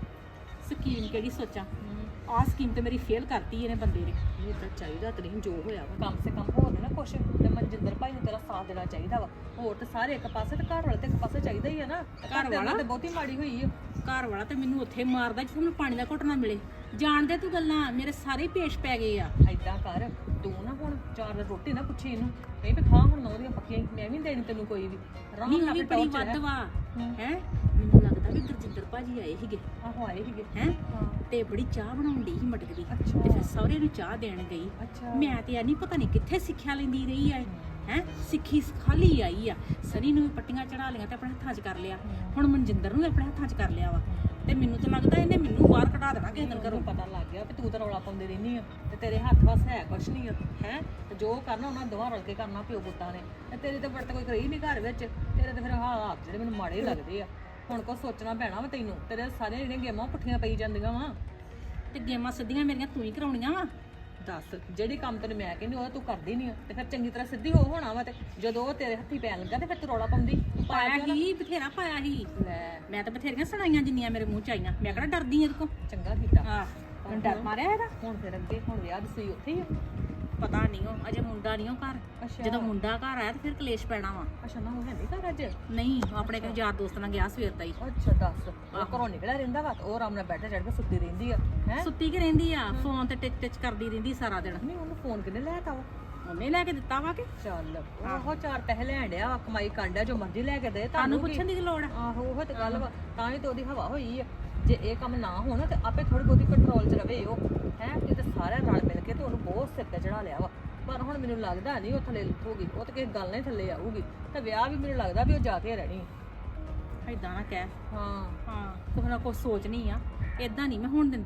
ਸਕੀਮ ਕਿਹੜੀ ਸੋਚਾਂ? ਆਹ ਸਕੀਮ ਤੇ ਮੇਰੀ ਫੇਲ ਕਰਤੀ ਇਹਨੇ ਬੰਦੇ ਨੇ। ਇਹ ਤਾਂ ਚਾਹੀਦਾ ਤੇ ਨਹੀਂ ਜੋ ਹੋਇਆ ਵਾ, ਕਮ ਸੇ ਕਮ ਹੋਰ ਨਾ ਕੁਛ ਤੇ ਮਨਜਿੰਦਰ ਭਾਈ ਨੂੰ ਤੇਰਾ ਸਾਥ ਦੇਣਾ ਚਾਹੀਦਾ ਵਾ। ਹੋਰ ਤੇ ਸਾਰੇ ਇੱਕ ਪਾਸੇ ਤੇ ਘਰ ਵਾਲੇ ਤੇ ਇੱਕ ਪਾਸੇ ਚਾਹੀਦਾ ਹੀ ਆ ਨਾ। ਘਰ ਵਾਲਾ ਤੇ ਬਹੁਤੀ ਮਾੜੀ ਹੋਈ ਆ। ਘਰ ਵਾਲਾ ਤੇ ਮੈਨੂੰ ਉੱਥੇ ਮਾਰਦਾ ਜਿੱਥੇ ਮੈਨੂੰ ਪਾਣੀ ਦਾ ਘੁੱਟ ਨਾ ਮਿਲੇ। ਜਾਣਦੇ ਤੂੰ ਗੱਲਾਂ ਮੇਰੇ ਸਾਰੇ ਪੇਸ਼ ਪੈ ਗਏ ਆ। ਐਦਾਂ ਕਰ ਤੂੰ ਨਾ ਹੁਣ ਚਾਰ ਰੋਟੀ ਨਾ ਪੁੱਛੀ ਇਹਨੂੰ, ਕਹੀਂ ਵੀ ਖਾ ਹੁਣ ਉਹਦੀਆਂ ਪੱਕੀਆਂ ਹੀ, ਮੈਂ ਵੀ ਨੀ ਦੇਣੀ ਤੈਨੂੰ ਕੋਈ ਵੀ। ਆਰਾਮ ਨਹੀਂ ਨਾਲ ਉਹ ਵੀ ਆਪਣੇ ਬੜੀ ਟੌਰ 'ਚ ਵੱਧ ਰਹਿ। ਵਾ ਹੈ। ਮੈਨੂੰ ਲੱਗਦਾ ਵੀ ਗੁਰਜਿੰਦਰ ਭਾਜੀ ਆਏ ਸੀਗੇ ਆਹੋ ਆਏ ਸੀਗੇ। ਹੈ, ਹਾਂ ਤੇ ਬੜੀ ਚਾਹ ਬਣਾਉਣ ਦੀ ਸੀ ਮਟਕ ਦੀ। ਅੱਛਾ। ਤੇ ਫਿਰ ਸਹੁਰੇ ਨੂੰ ਚਾਹ ਦੇਣ ਗਈ। ਅੱਛਾ। ਮੈਂ ਤੇ ਨਹੀਂ ਪਤਾ ਨਹੀਂ ਕਿੱਥੇ ਸਿੱਖਿਆ ਲੈਂਦੀ ਰਹੀ ਆ। ਹੈ ਸਿੱਖੀ ਖਾਲੀ ਆਈ ਆ। ਸਨੀ ਨੂੰ ਵੀ ਪੱਟੀਆਂ ਚੜਾ ਲਈਆਂ ਤੇ ਆਪਣੇ ਹੱਥਾਂ 'ਚ ਕਰ ਲਿਆ। ਹੁਣ ਮਨਜਿੰਦਰ ਨੂੰ ਵੀ ਆਪਣੇ ਹੱਥਾਂ 'ਚ ਕਰ ਲਿਆ ਵਾ। ਤੇ ਮੈਨੂੰ ਤਾਂ ਲੱਗਦਾ ਇਹਨੇ ਮੈਨੂੰ ਬਾਹਰ ਕਢਾ ਦੇਣਾ ਕਿਸੇ ਦਿਨ ਘਰੋਂ। ਪਤਾ ਲੱਗ ਗਿਆ ਵੀ ਤੂੰ ਤਾਂ ਰੌਲਾ ਪਾਉਂਦੀ ਰਹਿੰਦੀ ਆ ਤੇ ਤੇਰੇ ਹੱਥ ਵਸ ਹੈ ਕੁਛ ਨਹੀਂ ਆ ਹੈ। ਤੇ ਜੋ ਕਰਨਾ ਉਹਨਾਂ ਦੋਵਾਂ ਰਲ ਕੇ ਕਰਨਾ ਪਿਓ ਪੁੱਤਾਂ ਨੇ। ਤੇ ਤੇਰੇ ਤੇ ਵਰਤ ਕੋਈ ਕਰੀ ਨਹੀਂ ਘਰ ਵਿੱਚ। ਤੇਰੇ ਤੇ ਫਿਰ ਹਾਲਾਤ ਜਿਹੜੇ ਮੈਨੂੰ ਮਾੜੇ ਲੱਗਦੇ ਆ। ਹੁਣ ਕੁਛ ਸੋਚਣਾ ਪੈਣਾ ਵਾ ਤੈਨੂੰ। ਤੇਰੇ ਸਾਰੇ ਜਿਹੜੀਆਂ ਗੇਮਾਂ ਪੁੱਠੀਆਂ ਪਈ ਜਾਂਦੀਆਂ ਵਾ। ਤੇ ਗੇਮਾਂ ਸਿੱਧੀਆਂ ਮੇਰੀਆਂ ਤੂੰ ਹੀ ਕਰਾਉਣੀਆਂ ਵਾ। ਦੱਸ ਜਿਹੜੀ ਕੰਮ ਤੈਨੂੰ ਮੈਂ ਕਹਿੰਦੀ ਉਹ ਤੂੰ ਕਰਦੀ ਨਹੀਂ ਆ ਤੇ ਫਿਰ ਚੰਗੀ ਤਰ੍ਹਾਂ ਸਿੱਧੀ ਹੋ ਹੋਣਾ ਵਾ। ਤੇ ਜਦੋਂ ਉਹ ਤੇਰੇ ਹੱਥੀ ਪੈਣ ਲੱਗਾ ਤੇ ਫਿਰ ਤੂੰ ਰੌਲਾ ਪਾਉਂਦੀ। ਪਾਇਆ ਹੀ ਬਥੇਰਾ ਪਾਇਆ ਹੀ। ਲੈ ਮੈਂ ਤਾਂ ਬਥੇਰੀਆਂ ਸੁਣਾਈਆਂ ਜਿੰਨੀਆਂ ਮੇਰੇ ਮੂੰਹ ਚ ਆਈਆਂ। ਮੈਂ ਕਿਹੜਾ ਡਰਦੀ ਇਹਦੇ ਕੋ। ਚੰਗਾ ਕੀਤਾ। ਹਾਂ ਹੁਣ ਡਰ ਮਾਰਿਆ ਇਹਦਾ। ਹੁਣ ਫਿਰ ਅੱਗੇ ਹੁਣ ਵਿਆਹ ਦੀ ਸੂਈ ਉੱਥੇ ਹੀ ਆ। ਪਤਾ ਨਹੀਂ ਉਹ ਅਜੇ ਮੁੰਡਾ ਨਹੀਂ ਉਹ ਘਰ। ਅੱਛਾ। ਜਦੋਂ ਮੁੰਡਾ ਘਰ ਆਇਆ ਤੇ ਫਿਰ ਕਲੇਸ਼ ਪੈਣਾ ਵਾ। ਅੱਛਾ ਨਾ ਉਹ ਹੈ ਨਹੀਂ ਘਰ ਅੱਜ। ਨਹੀਂ ਉਹ ਆਪਣੇ ਕਿਸੇ ਯਾਰ ਦੋਸਤ ਨਾਲ ਗਿਆ ਸਵੇਰ ਦਾ ਹੀ। ਅੱਛਾ ਦੱਸ ਉਹ ਘਰੋਂ ਨਿਕਲਿਆ ਰਹਿੰਦਾ ਵਾ ਤੇ ਉਹ ਆਰਾਮ ਨਾਲ ਬੈਠੇ ਚੜ ਕੇ ਸੁੱਤੀ ਰਹਿੰਦੀ ਆ ਹੈ। ਸੁੱਤੀ ਕਿ ਰਹਿੰਦੀ ਆ, ਫੋਨ ਤੇ ਟਿਚ ਟਿਚ ਕਰਦੀ ਰਹਿੰਦੀ ਸਾਰਾ ਦਿਨ। ਨਹੀਂ ਉਹਨੂੰ ਫੋਨ ਕਿਨੇ ਲੈ ਤਾ ਵਾ। ਉਹਨੇ ਲੈ ਕੇ ਦਿੱਤਾ ਵਾ ਕਿ ਚੱਲ ਉਹ ਚਾਰ ਪੈਸੇ ਲੈਣ ਡਿਆ ਵਾ, ਕਮਾਈ ਕਰਨ ਡਿਆ, ਜੋ ਮਰਜ਼ੀ ਲੈ ਕੇ ਦੇ ਤੁਹਾਨੂੰ ਕੀ। ਪੁੱਛਣ ਦੀ ਕੀ ਲੋੜ ਆ? ਆਹੋ ਉਹ ਤੇ ਗੱਲ ਵਾ, ਤਾਂ ਹੀ ਤੇ ਉਹਦੀ ਹਵਾ ਹੋਈ ਆ। ਜੇ ਇਹ ਕੰਮ ਨਾ ਹੋਣਾ ਤੇ ਆਪੇ ਥੋੜੀ ਬਹੁਤੀ ਕੰਟਰੋਲ 'ਚ ਰਵੇ ਉਹ ਹੈ। ਇਹ ਤੇ ਸਾਰਿਆਂ ਰਲ ਮਿਲ ਕੇ ਤੇ ਉਹਨੂੰ ਬਹੁਤ ਸਿਰ ਤੇ ਚੜਾ ਲਿਆ ਵਾ। ਪਰ ਹੁਣ ਮੈਨੂੰ ਲੱਗਦਾ ਨਹੀਂ ਉਹ ਥੱਲੇ ਲੁੱਟੂਗੀ। ਉਹ ਤੇ ਕਿਸੇ ਗੱਲ ਨਾਲ ਹੀ ਥੱਲੇ ਆਊਗੀ। ਤੇ ਵਿਆਹ ਵੀ ਮੈਨੂੰ ਲੱਗਦਾ ਵੀ ਉਹ ਜਾ ਕੇ ਰਹਿਣੀ। ਏਦਾਂ ਨਾ ਕਹਿ। ਹਾਂ ਹਾਂ ਕੁਛ ਨਾ ਕੁਛ ਸੋਚਣੀ ਆ। ਏਦਾਂ ਨਹੀਂ ਮੈਂ ਹੋਣ ਦਿੰਦੀ।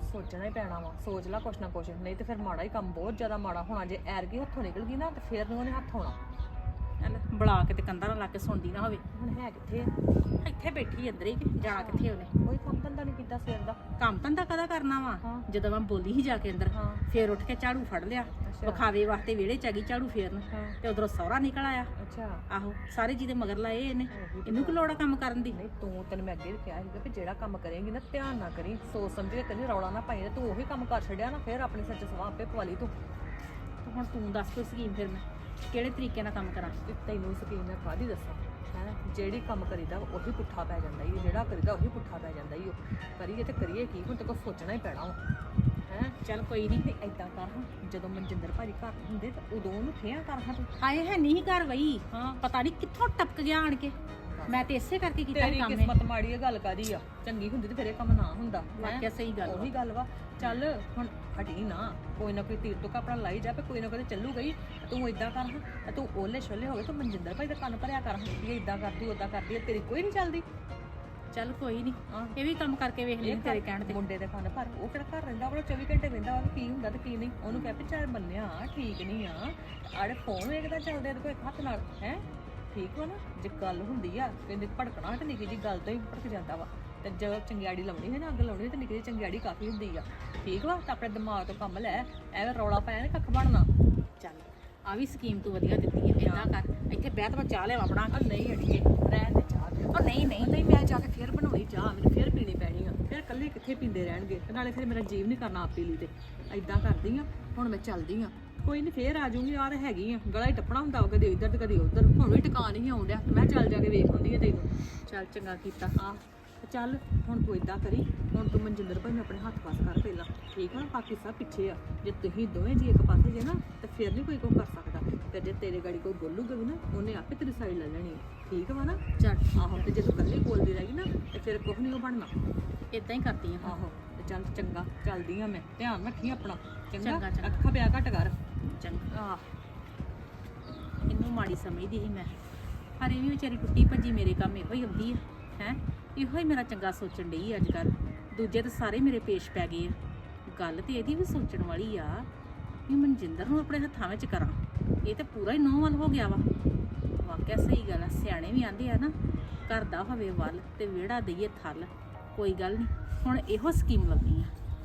ਸੋਚਣਾ ਹੀ ਪੈਣਾ ਵਾ, ਸੋਚ ਲੈ ਕੁਛ ਨਾ ਕੁਛ, ਨਹੀਂ ਤੇ ਫਿਰ ਮਾੜਾ ਹੀ ਕੰਮ, ਬਹੁਤ ਜ਼ਿਆਦਾ ਮਾੜਾ ਹੋਣਾ। ਜੇ ਐਰਗੀ ਹੱਥੋਂ ਨਿਕਲ ਗਈ ਨਾ ਤੇ ਫਿਰ ਨੂੰ ਉਹਨੇ ਹੱਥ ਹੋਣਾ। ਚੱਲ ਬੁਲਾ ਕੇ ਤੇ ਕੰਧਾਂ ਨਾਲ ਲਾ ਕੇ ਸੁਣਦੀ ਨਾ ਹੋਵੇ। ਹੁਣ ਹੈ ਕਿੱਥੇ ਆ? ਇੱਥੇ ਬੈਠੀ ਅੰਦਰ ਹੀ ਕਿ ਜਾਣਾ ਕਿੱਥੇ ਉਹਨੇ? ਕੋਈ ਕੰਮ ਧੰਦਾ ਨਹੀਂ ਕੀਤਾ ਸਵੇਰ ਦਾ। ਕੰਮ ਧੰਦਾ ਕਦਾ ਕਰਨਾ ਵਾ? ਹਾਂ। ਜਦੋਂ ਮੈਂ ਬੋਲੀ ਹੀ ਜਾ ਕੇ ਅੰਦਰ, ਹਾਂ। ਫੇਰ ਉੱਠ ਕੇ ਝਾੜੂ ਫੜ ਲਿਆ, ਅੱਛਾ। ਵਿਖਾਵੇ ਵਾਸਤੇ ਵਿਹੜੇ ਚ ਆ ਗਈ ਝਾੜੂ ਫੇਰਨ, ਹਾਂ। ਤੇ ਉਧਰੋਂ ਸਹੁਰਾ ਨਿਕਲ ਆਇਆ। ਅੱਛਾ। ਆਹੋ, ਸਾਰੇ ਜਿਹਦੇ ਮਗਰ ਲਾਏ ਇਹਨੇ, ਉਹੀ ਤੇ ਇਹਨੂੰ ਕੀ ਲੋੜ ਆ ਕੰਮ ਕਰਨ ਦੀ? ਨਹੀਂ ਤੂੰ, ਤੈਨੂੰ ਮੈਂ ਅੱਗੇ ਵੀ ਕਿਹਾ ਸੀਗਾ ਕਿ ਜਿਹੜਾ ਕੰਮ ਕਰੇਂਗੀ ਨਾ ਧਿਆਨ ਨਾ ਕਰੀ, ਸੋਚ ਸਮਝ ਕੇ ਕਰੀ, ਰੌਲਾ ਨਾ ਪਾਈ। ਤੂੰ ਉਹੀ ਕੰਮ ਕਰ ਛੱਡਿਆ ਨਾ, ਫਿਰ ਆਪਣੀ ਸੱਚ ਸਵਾਹ ਆਪੇ ਪਵਾ ਲਈ ਤੂੰ। ਤੇ ਹੁਣ ਤੂੰ ਦੱਸ ਕੋਈ ਸਕੀਮ, ਫਿਰ ਮੈਂ ਕਿਹੜੇ ਤਰੀਕੇ ਨਾਲ ਕੰਮ ਕਰਾਂ? ਤੇ ਤੈਨੂੰ ਸਕੀਮ ਮੈਂ ਕਾਹਦੀ ਦੱਸਾਂ ਹੈ? ਜਿਹੜੀ ਕੰਮ ਕਰੀਦਾ ਉਹੀ ਪੁੱਠਾ ਪੈ ਜਾਂਦਾ ਈ, ਜਿਹੜਾ ਕਰੀਦਾ ਉਹੀ ਪੁੱਠਾ ਪੈ ਜਾਂਦਾ ਈ। ਉਹ ਕਰੀਏ ਤੇ ਕਰੀਏ ਕੀ, ਹੁਣ ਤੇ ਕੋਈ ਸੋਚਣਾ ਹੀ ਪੈਣਾ ਹੈ। ਚੱਲ ਕੋਈ ਨਹੀਂ। ਤੇ ਏਦਾਂ ਕਰ ਹਾਂ, ਜਦੋਂ ਮਨਜਿੰਦਰ ਭਾਜੀ ਘਰ ਹੁੰਦੇ ਤਾਂ ਉਦੋਂ ਉਹਨੂੰ ਖਿਆ ਕਰ ਹਾਂ ਤੂੰ। ਹਾਏ ਹੈ ਨਹੀਂ ਘਰ ਵਈ, ਹਾਂ। ਪਤਾ ਨਹੀਂ ਕਿੱਥੋਂ ਟਪਕ ਗਿਆ ਆਣ ਕੇ। ਮੈਂ ਤੇ ਇਸੇ ਕਰਕੇ ਕੀਤਾ ਤੇਰੀ ਇਹ ਕੰਮ। ਕਿਸਮਤ ਮਾੜੀ ਹੈ, ਗੱਲ ਕਾਦੀ ਆ? ਚੰਗੀ ਹੁੰਦੀ ਤੇ ਫਿਰ ਇਹ ਕੰਮ ਨਾ ਹੁੰਦਾ। ਵਾਕਿਆ ਸਹੀ ਗੱਲ ਵਾ। ਉਹੀ ਗੱਲ ਵਾ। ਚੱਲ ਹੁਣ ਹਟੀ ਨਾ, ਕੋਈ ਨਾ ਕੋਈ ਤੀਰ ਤੋਂ ਆਪਣਾ ਲਾਈ ਜਾ, ਪੇ ਕੋਈ ਨਾ ਕੋਈ ਚੱਲੂ ਗਈ। ਤੂੰ ਇਦਾਂ ਕਰ ਹਾਂ, ਤੂੰ ਓਲੇ ਛੋਲੇ ਹੋ ਗਏ, ਤੂੰ ਮਨਜਿੰਦਰ ਭਾਈ ਦਾ ਕੰਨ ਭਰਿਆ ਕਰ ਹਾਂ ਵੀ ਇਦਾਂ ਕਰਦੀ ਉਦਾਂ ਕਰਦੀ ਹੈ, ਤੇਰੀ ਕੋਈ ਨਹੀਂ ਚੱਲਦੀ। ਚੱਲ ਕੋਈ ਨਹੀਂ, ਹਾਂ। ਇਹ ਵੀ ਕੰਮ ਕਰਕੇ ਵੇਖ ਲਈ ਤੇਰੇ ਕਹਿਣ ਤੇ। ਮੁੰਡੇ ਦੇ ਕੰਨ ਭਰ, ਉਹ ਕਿਹੜਾ ਘਰ ਰਹਿੰਦਾ, ਉਹ 24 ਘੰਟੇ ਰਹਿੰਦਾ ਵਾ, ਕੀ ਹੁੰਦਾ ਤੇ ਕੀ ਨਹੀਂ। ਉਹਨੂੰ ਕਹਿ ਵੀ ਚੱਲ ਬੰਨਿਆ ਠੀਕ ਨਹੀਂ ਆ, ਆੜੇ ਫੋਨ ਵੇਖਦਾ ਚੱਲਦੇ ਤੇ ਕੋਈ ਹੱਥ ਨਾਲ ਹੈ ਠੀਕ ਵਾ ਨਾ। ਜੇ ਗੱਲ ਹੁੰਦੀ ਆ ਕਹਿੰਦੇ ਭੜਕਣਾ ਤੇ ਨਿੱਕੀ ਜੀ ਗੱਲ ਤੋਂ ਹੀ ਭੜਕ ਜਾਂਦਾ ਵਾ। ਤੇ ਜਦੋਂ ਚੰਗਿਆੜੀ ਲਾਉਣੀ ਹੈ ਨਾ, ਅੱਗ ਲਾਉਣੀ ਤੇ ਨਿੱਕੀ ਜੀ ਚੰਗਿਆੜੀ ਕਾਫੀ ਹੁੰਦੀ ਆ। ਠੀਕ ਵਾ, ਤਾਂ ਆਪਣੇ ਦਿਮਾਗ ਤੋਂ ਕੰਮ ਲੈ, ਐਵੇਂ ਰੌਲਾ ਪਾਇਆ ਨਾ ਕੱਖ ਬਣਨਾ। ਚੱਲ ਆ ਵੀ ਸਕੀਮ ਤੂੰ ਵਧੀਆ ਦਿੱਤੀ ਹੈ। ਏਦਾਂ ਕਰ, ਇੱਥੇ ਬਹਿ ਤਾਂ ਮੈਂ ਚਾਹ ਲਿਆਵਾਂ ਬਣਾ ਕੇ। ਨਹੀਂ ਅੜੀਏ ਰਹਿਣ ਦੇ ਚਾਹ ਦੇ। ਉਹ ਨਹੀਂ ਨਹੀਂ, ਨਹੀਂ ਮੈਂ ਜਾ ਕੇ ਫੇਰ ਬਣਾਉਣੀ ਚਾਹ, ਮੈਨੂੰ ਫੇਰ ਪੀਣੀ ਪੈਣੀ ਆ। ਫਿਰ ਇਕੱਲੇ ਕਿੱਥੇ ਪੀਂਦੇ ਰਹਿਣਗੇ, ਤੇ ਨਾਲੇ ਫਿਰ ਮੇਰਾ ਜੀਵ ਨਹੀਂ ਕਰਨਾ ਆਪ ਪੀ ਲਈ। ਤੇ ਐਦਾਂ ਕਰਦੀ ਆ, ਹੁਣ ਮੈਂ ਚੱਲਦੀ ਆ, ਕੋਈ ਨਹੀਂ ਫੇਰ ਆ ਜਾਊਂਗੀ। ਆ ਤਾਂ ਹੈਗੀ ਆ, ਗਲਾ ਹੀ ਟੱਪਣਾ ਹੁੰਦਾ ਵਾ, ਕਦੇ ਇੱਧਰ ਤੇ ਕਦੇ ਉੱਧਰ। ਹੁਣ ਵੀ ਟਿਕਾ ਨਹੀਂ ਆਉਣ ਡਿਆ, ਮੈਂ ਚੱਲ ਜਾ ਕੇ ਵੇਖ ਆਉਂਦੀ ਆ ਤੈਨੂੰ। ਚੱਲ ਚੰਗਾ ਕੀਤਾ। ਆ ਚੱਲ ਹੁਣ ਤੂੰ ਇਦਾਂ ਕਰੀ, ਹੁਣ ਤੂੰ ਮਨਜਿੰਦਰ ਭਾਈ ਨੂੰ ਆਪਣੇ ਹੱਥ ਪਾਸ ਕਰ ਪਹਿਲਾਂ, ਠੀਕ ਆ ਨਾ? ਬਾਕੀ ਸਭ ਪਿੱਛੇ ਆ। ਜੇ ਤੁਸੀਂ ਦੋਵੇਂ ਜੀ ਇੱਕ ਪਾਸੇ ਜੇ ਨਾ ਤੇ ਫਿਰ ਨਹੀਂ ਕੋਈ ਕੁਝ ਕਰ ਸਕਦਾ। ਤੇ ਜੇ ਤੇਰੇ ਗਾੜੀ ਕੋਈ ਬੋਲੂਗਾ ਵੀ ਨਾ, ਉਹਨੇ ਆਪੇ ਤੇਰੀ ਸਾਈਡ ਲੈ ਲੈਣੀ ਹੈ। ਠੀਕ ਵਾ ਨਾ? ਚੱਲ ਆਹੋ, ਤੇ ਜੇ ਤੂੰ ਇਕੱਲੀ ਬੋਲਦੀ ਰਹੀ ਨਾ ਤੇ ਫਿਰ ਕੁਝ ਨਹੀਂ ਉਹ ਬਣਨਾ। ਏਦਾਂ ਹੀ ਕਰਦੀ ਆ। ਆਹੋ ਤੇ ਚੱਲ ਚੰਗਾ, ਚੱਲਦੀ ਆ ਮੈਂ, ਧਿਆਨ ਰੱਖੀ ਆਪਣਾ। ਚੰਗਾ, ਚੰਗਾ, ਚੰਗਾ। ਅੱਖਾਂ ਪਿਆ ਘੱਟ ਕਰ। ਚੰਗਾ। ਆਹ ਇਹਨੂੰ ਮਾੜੀ ਸਮਝਦੀ ਸੀ ਮੈਂ, ਪਰ ਇਹ ਵੀ ਵਿਚਾਰੀ ਟੁੱਟੀ ਭੱਜੀ ਮੇਰੇ ਕੰਮ ਇਹੋ ਹੀ ਆਉਂਦੀ ਆ ਹੈ। ਇਹੋ ਹੀ ਮੇਰਾ ਚੰਗਾ ਸੋਚਣ ਡਈ ਅੱਜ ਕੱਲ। ਦੂਜੇ ਤਾਂ ਸਾਰੇ ਮੇਰੇ ਪੇਸ਼ ਪੈ ਗਏ ਆ। ਗੱਲ ਤੇ ਇਹਦੀ ਵੀ ਸੋਚਣ ਵਾਲੀ ਆ ਵੀ ਮਨਜਿੰਦਰ ਨੂੰ ਆਪਣੇ ਹੱਥਾਂ ਵਿੱਚ ਕਰਾਂ। ਇਹ ਤਾਂ ਪੂਰਾ ਹੀ ਨੌਂ ਵੱਲ ਹੋ ਗਿਆ ਵਾ। ਵਾਕਿਆ ਸਹੀ ਗੱਲ ਆ, ਸਿਆਣੇ ਵੀ ਆਂਦੇ ਆ ਨਾ, ਘਰ ਦਾ ਹੋਵੇ ਵੱਲ ਤੇ ਵਿਹੜਾ ਦਈਏ ਥੱਲ। ਕੋਈ ਗੱਲ ਨਹੀਂ, ਹੁਣ ਇਹੋ ਸਕੀਮ ਲੱਗੀ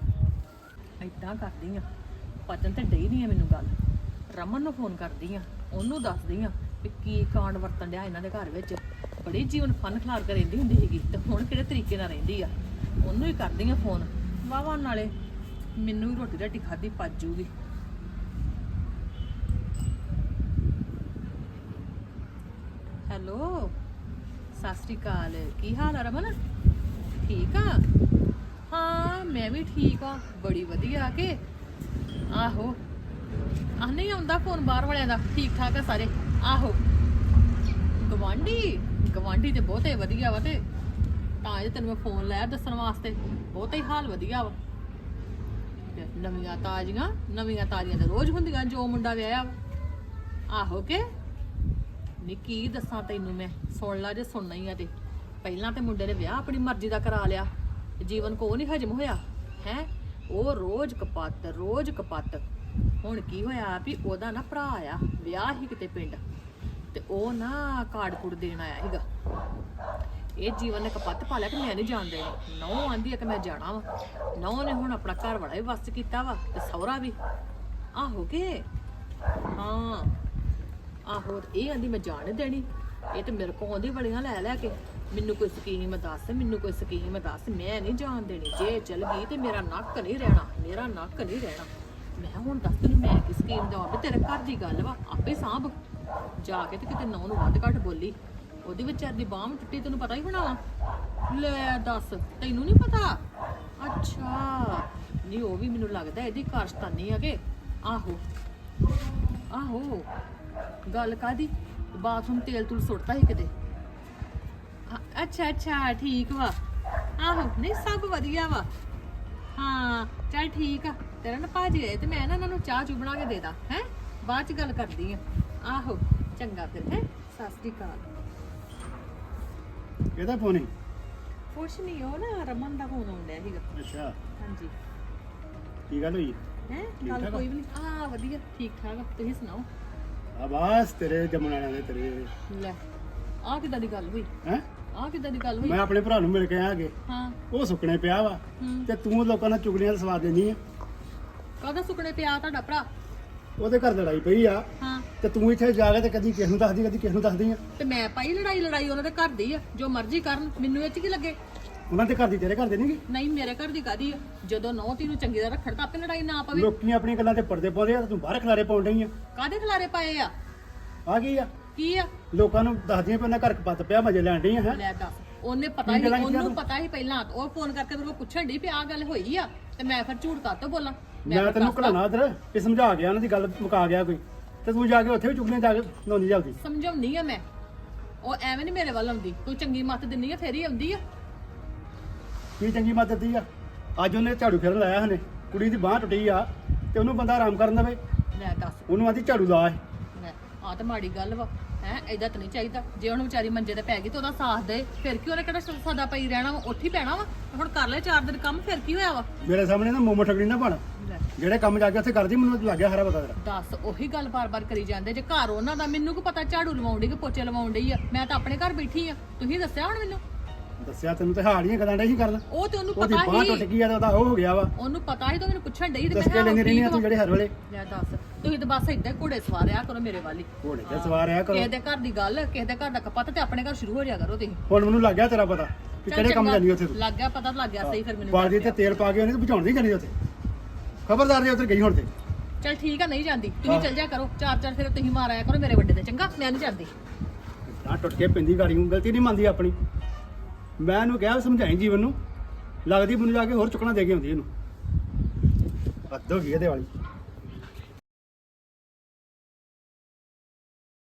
ਆ। ਏਦਾਂ ਕਰਦੀ ਆ, ਪਚਨ ਤੇ ਡਈ ਨਹੀਂ ਆ ਮੈਨੂੰ ਗੱਲ। ਰਮਨ ਨੂੰ ਫੋਨ ਕਰਦੀ ਆ, ਉਹਨੂੰ ਦੱਸਦੀ ਆ ਵੀ ਕੀ ਕਾਂਡ ਵਰਤਣ ਡਿਆ ਇਹਨਾਂ ਦੇ ਘਰ ਵਿੱਚ। ਬੜੀ ਜੀਵਨ ਫਨ ਖਿਲਾਰ ਕੇ ਰਹਿੰਦੀ ਹੁੰਦੀ ਸੀਗੀ, ਤੇ ਹੁਣ ਕਿਹੜੇ ਤਰੀਕੇ ਨਾਲ ਰਹਿੰਦੀ ਆ। ਉਹਨੂੰ ਹੀ ਕਰਦੀ ਆ ਫੋਨ, ਵਾਵਾ ਨਾਲੇ ਮੈਨੂੰ ਵੀ ਰੋਟੀ ਰਾਟੀ ਖਾਧੀ ਪਚ ਜੂਗੀ। ਹੈਲੋ, ਸਤਿ ਸ਼੍ਰੀ ਅਕਾਲ, ਕੀ ਹਾਲ ਆ ਰਮਨ? ਠੀਕ ਆ? ਹਾਂ ਮੈਂ ਵੀ ਠੀਕ ਆ, ਬੜੀ ਵਧੀਆ। ਕਿ ਆਹੋ ਆ ਨਹੀਂ ਆਉਂਦਾ ਫੋਨ ਬਾਹਰ ਵਾਲਿਆਂ ਦਾ, ਠੀਕ ਠਾਕ ਆ ਸਾਰੇ। ਆਹੋ ਗਵਾਂਢੀ ਤੇ ਬਹੁਤੇ ਵਧੀਆ ਵਾ, ਤੇ ਤਾਂ ਇਹ ਤੈਨੂੰ ਮੈਂ ਫੋਨ ਲਾਇਆ ਦੱਸਣ ਵਾਸਤੇ। ਬਹੁਤਾ ਹੀ ਹਾਲ ਵਧੀਆ ਵਾ। ਤੇ ਨਵੀਆਂ ਤਾਜ਼ੀਆਂ ਤੇ ਰੋਜ਼ ਹੁੰਦੀਆਂ ਜੋ ਮੁੰਡਾ ਵਿਆਹਿਆ ਵਾ। ਆਹੋ ਕਿ ਨੀ ਕੀ ਦੱਸਾਂ ਤੈਨੂੰ ਮੈਂ, ਸੁਣ ਲਾ ਜੇ ਸੁਣਨਾ ਹੀ ਆ। ਤੇ ਪਹਿਲਾਂ ਤੇ ਮੁੰਡੇ ਨੇ ਵਿਆਹ ਆਪਣੀ ਮਰਜ਼ੀ ਦਾ ਕਰਾ ਲਿਆ, ਜੀਵਨ ਕੋ ਨਹੀਂ ਹਜਮ ਹੋਇਆ ਹੈ। ਉਹ ਰੋਜ਼ ਕਪੱਤ। ਹੁਣ ਕੀ ਹੋਇਆ ਵੀ ਉਹਦਾ ਨਾ ਭਰਾ ਆ, ਵਿਆਹ ਹੀ ਕਿਤੇ ਪਿੰਡ, ਤੇ ਉਹ ਨਾ ਕਾਰਡ ਕੁੜ ਦੇਣ ਆਇਆ ਸੀਗਾ। ਇਹ ਜੀਵਨ ਨੇ ਕਪੱਤ ਪਾ ਲਿਆ ਕਿ ਮੈਂ ਨਹੀਂ ਜਾਣ ਦੇਣੀ। ਨੌ ਆਂਦੀ ਆ ਕਿ ਮੈਂ ਜਾਣਾ ਵਾ। ਨੌ ਨੇ ਹੁਣ ਆਪਣਾ ਘਰ ਵਾਲਾ ਵੀ ਵਸ ਕੀਤਾ ਵਾ, ਤੇ ਸਹੁਰਾ ਵੀ। ਆਹੋ ਕਿ ਹਾਂ ਆਹੋ, ਇਹ ਆਂਦੀ ਮੈਂ ਜਾਣ ਨੀ ਦੇਣੀ। ਇਹ ਤੇ ਮੇਰੇ ਕੋਲ ਆਉਂਦੀ ਬੜੀਆਂ ਲੈ ਕੇ, ਮੈਨੂੰ ਕੋਈ ਸਕੀਮ ਦੱਸ, ਮੈਂ ਨਹੀਂ ਜਾਣ ਦੇਣੀ। ਜੇ ਚਲ ਗਈ ਤੇ ਮੇਰਾ ਨੱਕ ਨਹੀਂ ਰਹਿਣਾ। ਮੈਂ ਹੁਣ ਦੱਸ ਤੈਨੂੰ ਮੈਂ ਕੀ ਸਕੀਮ ਦੇਵਾਂ? ਵੀ ਤੇਰੇ ਘਰ ਦੀ ਗੱਲ ਵਾ, ਆਪੇ ਸਾਂਭ। ਜਾ ਕੇ ਤੇ ਕਿਤੇ ਨੌ ਨੂੰ ਵੱਧ ਘੱਟ ਬੋਲੀ, ਉਹਦੀ ਵਿਚਾਰ ਦੀ ਬਾਂਹ ਟੁੱਟੀ, ਤੈਨੂੰ ਪਤਾ ਹੀ ਹੋਣਾ ਵਾ। ਲੈ ਦੱਸ, ਤੈਨੂੰ ਨਹੀਂ ਪਤਾ? ਅੱਛਾ ਨਹੀਂ, ਉਹ ਵੀ ਮੈਨੂੰ ਲੱਗਦਾ ਇਹਦੀ ਕਾਰਸਤਾਨੀ ਆ ਕਿ। ਆਹੋ ਗੱਲ ਕਾਦੀ? ਬਾਥਰੂਮ ਤੇਲ ਤੂਲ ਸੁੱਟਤਾ ਸੀ ਕਿਤੇ? ਅੱਛਾ ਠੀਕ ਵਾ। ਆਹੋ ਨਹੀਂ ਸਭ ਵਧੀਆ ਵਾ। ਹਾਂ ਚੱਲ ਠੀਕ ਆ। ਤੇਰਾ ਨਾ ਭਾਜੀ ਆਏ ਤੇ ਮੈਂ ਨਾ ਇਹਨਾਂ ਨੂੰ ਚਾਹ ਚੂ ਬਣਾ ਕੇ ਦੇ ਦਾਂ ਹੈ, ਬਾਅਦ ਚ ਗੱਲ ਕਰਦੀ ਆ। ਆਹੋ ਚੰਗਾ ਫਿਰ ਹੈ, ਸਤਿ ਸ੍ਰੀ ਅਕਾਲ। ਇਹਦਾ ਫੋਨ ਹੀ? ਕੁਛ ਨਹੀਂ, ਉਹ ਨਾ ਰਮਨ ਦਾ ਫੋਨ ਆਉਂਦਾ ਸੀਗਾ। ਅੱਛਾ, ਹਾਂਜੀ ਕੀ ਗੱਲ ਹੋਈ ਹੈ ਠੀਕ ਗੱਲ ਠਾਕ ਆ? ਕੋਈ ਵੀ ਨਹੀਂ ਆ ਵਧੀਆ ਠੀਕ ਠਾਕ ਆ। ਤੁਸੀਂ ਸੁਣਾਓ ਆ ਬਸ ਤੇਰੇ ਜੰਮਣ ਵਾਲਿਆਂ ਦੇ ਤੇਰੇ ਲੈ ਆ ਕਿੱਦਾਂ ਦੀ ਗੱਲ ਹੋਈ ਹੈ ਆ ਕਿੱਦਾਂ ਦੀ ਗੱਲ ਹੋਈ ਮੈਂ ਆਪਣੇ ਭਰਾ ਨੂੰ ਮਿਲ ਕੇ ਆਇਆ ਹਾਂ ਉਹ ਸੁੱਕਣੇ ਪਿਆ ਵਾ ਹੂੰ ਤੇ ਤੂੰ ਲੋਕਾਂ ਨਾਲ ਚੁਗਲੀਆਂ ਦਾ ਸਵਾਦ ਦੇਣੀ ਆ ਕਾਹਦਾ ਸੁਕਣੇ ਪਿਆ ਤੁਹਾਡਾ ਭਰਾ ਉਹਦੇ ਘਰ ਲੜਾਈ ਪਈ ਆ ਹਾਂ ਤੇ ਤੂੰ ਇੱਥੇ ਜਾ ਕੇ ਤੇ ਕਦੀ ਕਿਸ ਨੂੰ ਦੱਸਦੀ ਕਦੀ ਕਿਸ ਨੂੰ ਦੱਸਦੀ ਆ ਤੇ ਮੈਂ ਪਾਈ ਲੜਾਈ ਉਹਨਾਂ ਦੇ ਘਰ ਦੀ ਆ ਜੋ ਮਰਜ਼ੀ ਕਰਨ ਮੈਨੂੰ ਇਹ ਚ ਕੀ ਲੱਗੇ ਉਹਨਾਂ ਦੇ ਘਰ ਦੀ ਤੇਰੇ ਘਰ ਦੇ ਨਹੀਂਗੀ ਨਹੀਂ ਮੇਰੇ ਘਰ ਦੀ ਕਾਦੀ ਆ ਜਦੋਂ ਨੌ ਤੀ ਨੂੰ ਚੰਗੀ ਤਰ੍ਹਾਂ ਰੱਖਣ ਤਾਂ ਆਪੇ ਲੜਾਈ ਨਾ ਪਵੇ ਲੋਕੀ ਆਪਣੀਆਂ ਗੱਲਾਂ ਤੇ ਪਰਦੇ ਪਾਉਂਦੇ ਆ ਤੇ ਤੂੰ ਬਾਹਰ ਖਲਾਰੇ ਪਾਉਣ ਡਈ ਆ ਕਾਦੇ ਖਲਾਰੇ ਪਾਏ ਆ ਆ ਗਈ ਆ ਕੀ ਆ ਲੋਕਾਂ ਨੂੰ ਦੱਸਦੀਆਂ ਪੈਣਾ ਘਰ ਕਪੱਤ ਪਿਆ ਮਜੇ ਲੈਣ ਡਈ ਆ ਹੈ ਲੈ ਦੱਸ ਉਹਨੇ ਪਤਾ ਹੀ ਉਹਨੂੰ ਪਤਾ ਹੀ ਪਹਿਲਾਂ ਉਹ ਫੋਨ ਕਰਕੇ ਮੇਰੇ ਕੋਲ ਪੁੱਛਣ ਡਈ ਵੀ ਆਹ ਗੱਲ ਹੋਈ ਆ ਤੇ ਮੈਂ ਫਿਰ ਝੂਠ ਕਾਤੋਂ ਬੋਲਾਂ ਮੈਂ ਤੈਨੂੰ ਘਲਾਣਾ ਇਧਰ ਇਹ ਸਮਝਾ ਗਿਆ ਉਹਨਾਂ ਦੀ ਗੱਲ ਮੁਕਾ ਗਿਆ ਕੋਈ ਤੇ ਤੂੰ ਜਾ ਕੇ ਉੱਥੇ ਵੀ ਚੁਗਲੀਆਂ ਜਾ ਕੇ ਲਾਉਣੀ ਜਲਦੀ ਸਮਝਾਉਣੀ ਆ ਮੈਂ ਉਹ ਐਵੇਂ ਨਹੀਂ ਮੇਰੇ ਵੱਲ ਆਉਂਦੀ ਕੋਈ ਚੰਗੀ ਮੱਤ ਦਿੰਨੀ ਆ ਫੇਰ ਹੀ ਆਉਂਦੀ ਆ ਕੀ ਚੰਗੀ ਮਦਦ ਦੀ ਆ ਅੱਜ ਉਹਨੇ ਝਾੜੂ ਫੇਰਨ ਲਾਇਆ ਹਨੇ ਕੁੜੀ ਦੀ ਬਾਹ ਟੁੱਟੀ ਆ ਤੇ ਉਹਨੂੰ ਬੰਦਾ ਆਰਾਮ ਕਰਨ ਦੇਵੇ ਲੈ ਦੱਸ ਉਹਨੂੰ ਆਦੀ ਝਾੜੂ ਲਾ ਇਹ। ਲੈ ਆ ਤਾਂ ਮਾੜੀ ਗੱਲ ਵਾ ਹੈ ਏਦਾਂ ਤਾਂ ਨਹੀਂ ਚਾਹੀਦਾ ਜੇ ਹੁਣ ਵਿਚਾਰੀ ਮੰਜੇ ਤੇ ਪੈ ਗਈ ਤੇ ਉਹਦਾ ਸਾਥ ਦੇ ਫਿਰ ਕੀ ਉਹਨੇ ਕਿਹੜਾ ਸਦਾ ਪਈ ਰਹਿਣਾ ਵਾ ਉੱਥੇ ਹੀ ਪੈਣਾ ਵਾ ਹੁਣ ਕਰ ਲੈ 4 ਦਿਨ ਕੰਮ ਫਿਰ ਕੀ ਹੋਇਆ ਵਾ ਮੇਰੇ ਸਾਹਮਣੇ ਨਾ ਮੋਮੋ ਠਗੜੀ ਨਾ ਬਣ ਲੈ ਜਿਹੜੇ ਕੰਮ ਜਾ ਕੇ ਉੱਥੇ ਕਰਦੀ ਮੈਨੂੰ ਲੱਗ ਗਿਆ ਸਾਰਾ ਪਤਾ ਤੇਰਾ ਦੱਸ ਉਹੀ ਗੱਲ ਬਾਰ-ਬਾਰ ਕਰੀ ਜਾਂਦੇ ਜੇ ਘਰ ਉਹਨਾਂ ਦਾ ਮੈਨੂੰ ਕੀ ਪਤਾ ਝਾੜੂ ਲਵਾਉਣ ਡਈ ਕਿ ਪੋਚੇ ਲਵਾਉਣ ਡਈ ਆ ਮੈਂ ਤਾਂ ਆਪਣੇ ਘਰ ਬੈਠੀ ਆ ਤੁਸੀਂ ਦੱਸਿਆ ਹੁਣ ਮੈਨੂੰ ਦੱਸਿਆ ਤੈਨੂੰ ਤੇ ਹਾੜੀਆਂ ਗੱਲਾਂ ਡੇ ਹੀ ਕਰਨ ਉਹ ਤੇ ਉਹਨੂੰ ਉਹਦੀ ਪਤਾ ਬਾਹ ਟੁੱਟ ਹੀ ਗਈ ਆ ਤੇ ਉਹਦਾ ਉਹ ਹੋ ਗਿਆ ਵਾ ਉਹਨੂੰ ਪਤਾ ਹੀ ਤਾਂ ਮੈਨੂੰ ਪੁੱਛਣ ਡਈ ਤੇ ਦੱਸ ਕੇ ਮੈਂ ਲੈਂਦੀ ਰਹਿੰਦੀ ਆ ਕਿਹਾ ਤੂੰ ਜਿਹੜੇ ਹਰ ਵੇਲੇ ਲੈ ਦੱਸ ਤੁਸੀਂ ਤਾਂ ਬਸ ਏਦਾਂ ਘੋੜੇ ਸਵਾਰਿਆ ਕਰੋ ਮੇਰੇ ਵਾਲੀ ਘੋੜੇ ਤੇ ਸਵਾਰ ਆਇਆ ਕਰੋ ਕਿਸੇ ਦੇ ਘਰ ਦੀ ਗੱਲ ਕਿਸੇ ਦੇ ਘਰ ਦਾ ਕਪੱਤ ਤੇ ਆਪਣੇ ਘਰ ਸ਼ੁਰੂ ਹੋ ਜਾਇਆ ਕਰੋ ਤੁਸੀਂ ਹੁਣ ਮੈਨੂੰ ਲੱਗ ਗਿਆ ਤੇਰਾ ਪਤਾ ਕਿ ਚੱਲ ਕਿਹੜੇ ਕੰਮ ਚੰਗਾ, ਜਾਨੀ ਉੱਥੇ ਤੂੰ ਲੱਗ ਗਿਆ ਪਤਾ ਲੱਗ ਗਿਆ ਸਹੀ ਫਿਰ ਮੈਨੂੰ ਬਾਲਦੀ ਦੱਸ ਤੇ ਤੇਲ ਪਾ ਕੇ ਉਹਨੇ ਤੇ ਬੁਝਾਉਣ ਨਹੀਂ ਜਾਣੀ ਉੱਥੇ ਖਬਰਦਾਰ ਜੇ ਉੱਧਰ ਗਈ ਹੁਣ ਤੇ ਦਿਓ। ਚੱਲ ਠੀਕ ਆ ਨਹੀਂ ਜਾਂਦੀ ਤੁਸੀਂ ਚੱਲ ਜਾ ਕਰੋ 4-4 ਫਿਰ ਤੁਸੀਂ ਮਾਰ ਆਇਆ ਕਰੋ ਮੇਰੇ ਵੱਡੇ ਤੇ ਚੰਗਾ ਮੈਂ ਨਹੀਂ ਜਾਂਦੀ ਨਾ ਟੁੱਟ ਕੇ ਪਿੰਦੀ ਗਾੜੀ ਨੂੰ ਗਲਤੀ ਨਹੀਂ ਮੰਨਦੀ ਆਪਣੀ ਮੈਂ ਇਹਨੂੰ ਕਿਹਾ ਸਮਝਾਈ ਜੀਵਨ ਨੂੰ ਲੱਗਦੀ ਮੈਨੂੰ ਜਾ ਕੇ ਹੋਰ ਚੁੱਕਣਾ ਦੇ ਕੇ ਆਉਂਦੀ ਇਹਨੂੰ ਹੱਦ ਹੋ ਗਈ ਇਹਦੇ ਵਾਲੀ